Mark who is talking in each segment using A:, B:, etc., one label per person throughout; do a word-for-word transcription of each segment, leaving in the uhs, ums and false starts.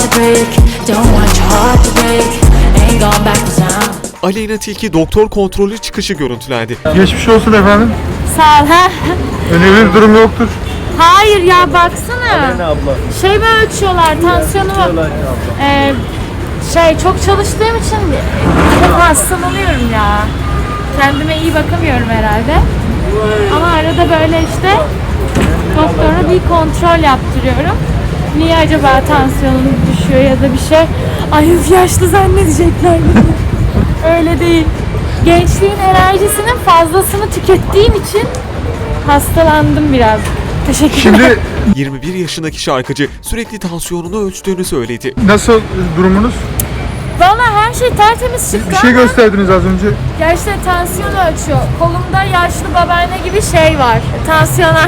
A: to break. Don't want your heart to break. Ain't going backwards now.
B: Aleyna Tilki doktor kontrolü çıkışı görüntülendi.
C: Geçmiş olsun efendim.
D: Sağ ol. Ha?
C: Önemli bir durum yoktur.
D: Hayır ya baksana.
E: Ne abla?
D: Şey mi ölçüyorlar tansiyonumu? Ee, şey çok çalıştığım için çok hastalanıyorum ya. Kendime iyi bakamıyorum herhalde. Ama arada böyle işte doktora bir kontrol yaptırıyorum. Niye acaba tansiyonum düşüyor ya da bir şey. Ay yaşlı zannedecekler beni. Öyle değil. Gençliğin enerjisinin fazlasını tükettiğim için hastalandım biraz. Teşekkürler.
C: Şimdi
B: yirmi bir yaşındaki şarkıcı sürekli tansiyonunu ölçtüğünü söyledi.
C: nasıl durumunuz?
D: Valla her şey tertemiz çıktı
C: Bir şey
D: ama
C: gösterdiniz az önce.
D: gerçekten tansiyon ölçüyor. Kolumda yaşlı babaanne gibi şey var. Tansiyoner.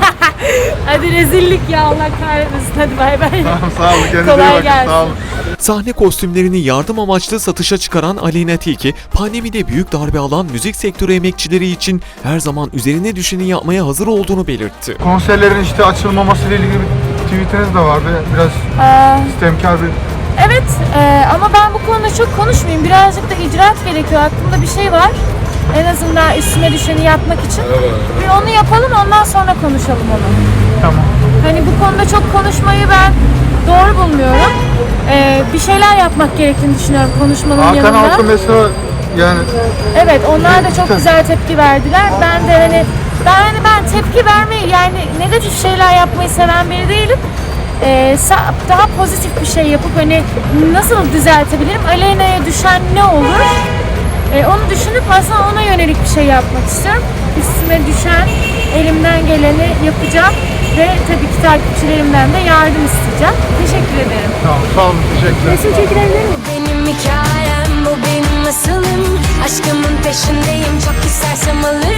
D: Hadi rezillik ya Allah kahretmesin. Hadi bay bay.
C: Tamam sağ olun. Kendinize iyi
D: Kolay
C: bakın.
D: gelsin.
C: Sağ olun.
B: Sahne kostümlerini yardım amaçlı satışa çıkaran Aleyna Tilki, pandemide büyük darbe alan müzik sektörü emekçileri için her zaman üzerine düşeni yapmaya hazır olduğunu belirtti.
C: Konserlerin işte açılmaması ile ilgili bir tweetiniz de vardı. Biraz
D: Ee,
C: istemkar bir...
D: evet e, ama ben bu konuda çok konuşmayayım. Birazcık da icraat gerekiyor. Aklımda bir şey var. En azından üstüme düşeni yapmak için. Bir onu yapalım ondan sonra konuşalım onu.
C: Tamam.
D: Hani bu konuda çok konuşmayı ben doğru bulmuyorum. Ee, bir şeyler yapmak gerektiğini düşünüyorum konuşmanın
C: Hakan
D: yanında.
C: Altun mesela yani
D: Evet, onlar da çok güzel tepki verdiler. Ben de hani ben hani ben tepki vermeyi yani negatif şeyler yapmayı seven biri değilim. Ee, sa- daha pozitif bir şey yapıp hani nasıl düzeltebilirim? Aleyna'ya düşen ne olur? Ee, onu düşünüp aslında ona yönelik bir şey yapmak istiyorum. Üstüme düşen elimden geleni yapacağım ve tabii ki takipçilerimden de yardım isteyeceğim. Teşekkür ederim.
C: tamam, sağ olun, teşekkürler.
D: Resim çekilebilir miyim?
F: Benim hikayem bu benim masalım. Aşkımın peşindeyim çok istersem alırım.